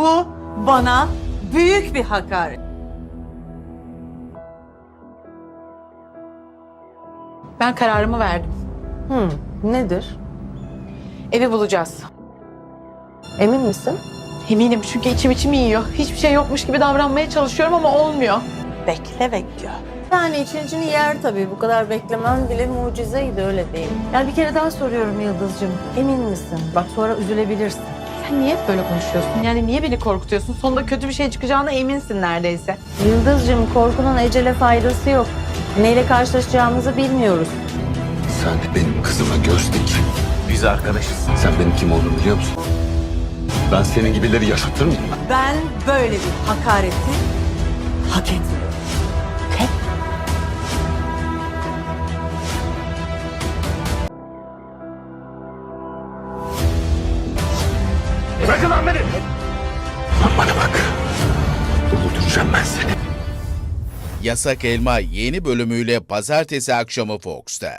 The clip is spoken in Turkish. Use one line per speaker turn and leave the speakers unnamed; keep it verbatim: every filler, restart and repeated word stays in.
Bu bana büyük bir hakaret.
Ben kararımı verdim.
Hmm, nedir?
Evi bulacağız.
Emin misin?
Eminim çünkü içim içimi yiyor. Hiçbir şey yokmuş gibi davranmaya çalışıyorum ama olmuyor.
Bekle bekliyor.
Yani için içini yer tabii. Bu kadar beklemen bile mucizeydi, öyle değil. Yani bir kere daha soruyorum Yıldız'cığım. Emin misin? Bak sonra üzülebilirsin.
Sen niye hep böyle konuşuyorsun? Yani niye beni korkutuyorsun? Sonunda kötü bir şey çıkacağına eminsin neredeyse.
Yıldız'cığım, korkunun ecele faydası yok. Neyle karşılaşacağımızı bilmiyoruz.
Sen benim kızıma göz dik.
Biz arkadaşız.
Sen benim kim olduğumu biliyor musun? Ben senin gibileri yaşatır mıyım?
Ben böyle bir hakareti hak etmiyorum.
Bırakın lan beni!
Bana bak. Öldüreceğim ben seni.
Yasak Elma yeni bölümüyle pazartesi akşamı Fox'ta.